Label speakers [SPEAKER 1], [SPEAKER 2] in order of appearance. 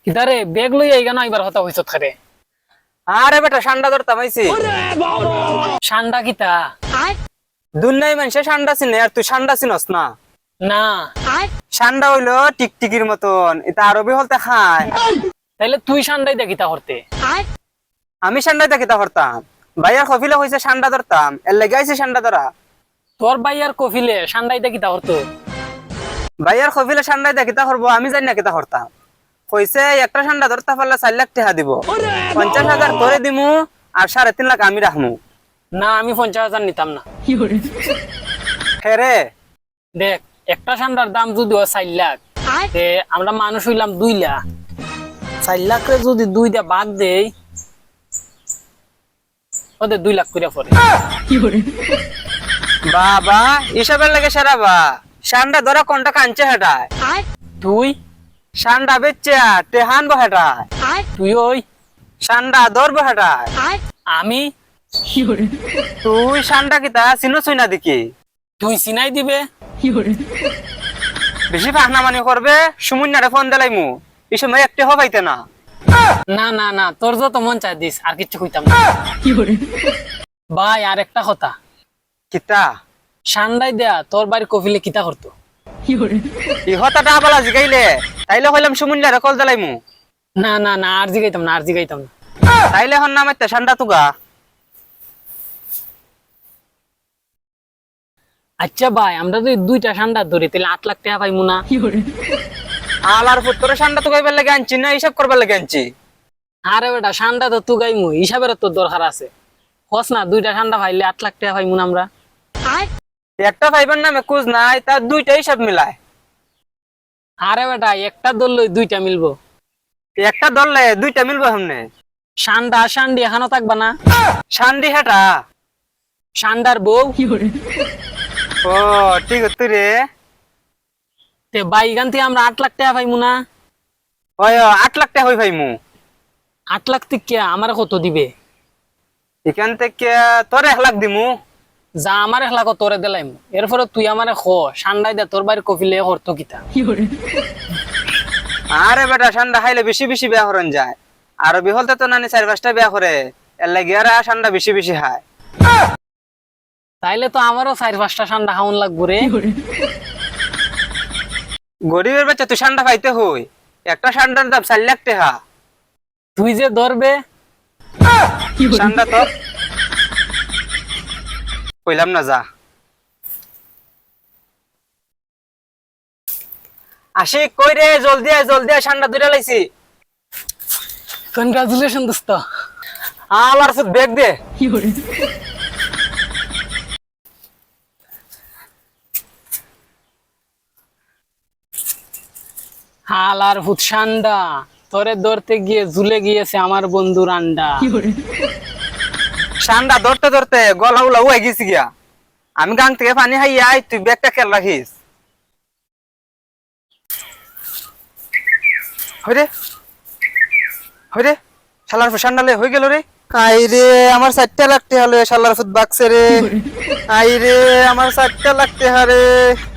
[SPEAKER 1] কিতারে বেগ লই আইগা না এবার হতা হইছত খারে।
[SPEAKER 2] আরে বেটা ঠান্ডা ধরতাম আইছি।
[SPEAKER 1] ঠান্ডা কিতা?
[SPEAKER 2] দুনিয়ায় মানুষে ঠান্ডা চিনে আর তুই ঠান্ডা চিনস না।
[SPEAKER 1] না
[SPEAKER 2] ঠান্ডা হইলো টিকটিকির মতন, এটা আরবি হলতে খায়।
[SPEAKER 1] তাইলে তুই ঠান্ডাই দেখিতা করতে।
[SPEAKER 2] আমি ঠান্ডায় দেখিতা হরতাম, ভাইয়ার কফিলে হয়েছে ঠান্ডা ধরতাম, এর লেগে আইছে ঠান্ডা ধরা।
[SPEAKER 1] তোর ভাইয়ার কফিলে ঠান্ডাই দেখিতা করতো।
[SPEAKER 2] ভাইয়ার কফিলে ঠান্ডায় দেখিতা হরবো, আমি জানি না কিতা হরতাম। কইছে একটা ঠান্ডা ধরতে পারলে 4 লাখ টাকা দিব, 50,000 তোরে দিমু আর 3.5 লাখ আমি রাখমু।
[SPEAKER 1] না আমি 50,000 নিতাম না।
[SPEAKER 2] হেরে
[SPEAKER 1] দেখ একটা ঠান্ডার দাম যদি 4 লাখ, তে আমরা মানুষ হইলাম 2 লাখ। 4 লাখে যদি 2টা ভাগ দেই, ওদের 2 লাখ করে পড়ে।
[SPEAKER 2] বাবা হিসাবের লাগে সেরা বা ঠান্ডা ধরা কোনটা কাঞ্চে হেটায়,
[SPEAKER 1] তুই
[SPEAKER 2] ঠান্ডা বেচে টেহান বহেটায়,
[SPEAKER 1] তুই ওই
[SPEAKER 2] ঠান্ডা ধরবো হেটায়।
[SPEAKER 1] আমি
[SPEAKER 2] তুই ঠান্ডা কিতা চিনো চুই না দেখি,
[SPEAKER 1] তুই চিনাই দিবে।
[SPEAKER 2] বেশি ফাহনামানি করবে সুমুন্যারে ফোন দিলাইমু, এই সময় একটি হবাইতে না।
[SPEAKER 1] না না না, তোর যত মন চাই দিস, আর কিচ্ছু কইতাম না। ভাই আর একটা কথা,
[SPEAKER 2] কিতা
[SPEAKER 1] ঠান্ডাই দেয়া তোর বাড়ির কফিলে কিতা করতো?
[SPEAKER 2] ইহতাটা আবালা জিগাইলে তাইলে হইলাম সুমুন্যারে কল দিলাইমু।
[SPEAKER 1] না না না, আর জিগাইতাম না, আর জিগাইতাম না।
[SPEAKER 2] তাইলে হন নামাইতে ঠান্ডা তুগা।
[SPEAKER 1] আচ্ছা ভাই, আমরা যদি 2টা ঠান্ডা ধরি তাহলে 8 লাখ টাকা পাইমু না?
[SPEAKER 2] আলার পুত্তরে ঠান্ডা তুগাইবার লাগে আনছি না হিসাব করবার লাগে আনছি।
[SPEAKER 1] আরে বেটা ঠান্ডা তো তুগাইমু, হিসাবের তো দরকার আছে। হস না 2টা ঠান্ডা পাইলে 8 লাখ টাকা পাইমু না আমরা?
[SPEAKER 2] একটা ফাইবার নামে কুজ নাই, তার 2টা হিসাব মিলায়।
[SPEAKER 1] আরে বেটা একটা ধরলই 2টা মিলবো।
[SPEAKER 2] একটা ধরলে 2টা মিলবো সামনে।
[SPEAKER 1] ঠান্ডা শান্ডি এখানো থাকবা না?
[SPEAKER 2] শান্ডি হেটা
[SPEAKER 1] ঠান্ডার বউ।
[SPEAKER 2] ও ঠিক আছে রে।
[SPEAKER 1] তে ভাই এখান থেকে আমরা 8 লাখ টাকা পাইমু না?
[SPEAKER 2] ওই 8 লাখ টাকা হই ভাইমু।
[SPEAKER 1] 8 লাখ থেকে আমার কত দিবে?
[SPEAKER 2] এখান থেকে তোরে 1 লাখ দিমু।
[SPEAKER 1] যা আমার 1 লাখ তোরে দিলাইমু, এরপরে তুই আমারে খ ঠান্ডাই দে তোর বাড়ির কফিলে করতো কিতা?
[SPEAKER 2] আরে বেটা ঠান্ডা খাইলে বেশি বেশি বিয়া হরন যায়, আর বিহলতে তো নানি 4-5টা বিয়া করে, এর লাগে আর ঠান্ডা বেশি বেশি খায়।
[SPEAKER 1] তাইলে তো আমারও 4-5টা ঠান্ডা খাওয়ান লাগবো রে।
[SPEAKER 2] গরিবের বাচ্চা তুই ঠান্ডা পাইতে হই, একটা ঠান্ডার দাম 4 লাখ টাকা।
[SPEAKER 1] তুই যে ধরবে
[SPEAKER 2] ঠান্ডা তো কইলাম না, যা আসি কই রে, জলদি আয় জলদি আয়, ঠান্ডা দূরে লাইছি।
[SPEAKER 1] কনগ্রাচুলেশন দোস্ত।
[SPEAKER 2] আমার ফুট ব্যাগ দে।
[SPEAKER 1] হালার ভূত ঠান্ডা, তোরে ধরতে গিয়ে ঝুলে গিয়েছে আমার বন্ধুর আন্ডা।
[SPEAKER 2] ঠান্ডা ধরতে ধরতে গলা উলা হয়ে গেছি গিয়া, আমি গাং থেকে পানি খাই আই, তুই ব্যাগটা খেয়াল রাখিস। হইরে হইরে শালার ফুট ঠান্ডা হয়ে গেল রে। আই রে আমার 4টা লাখ টাকা হলো শালার ফুট বাক্সে রে। আই রে আমার 4টা লাখ টাকা রে।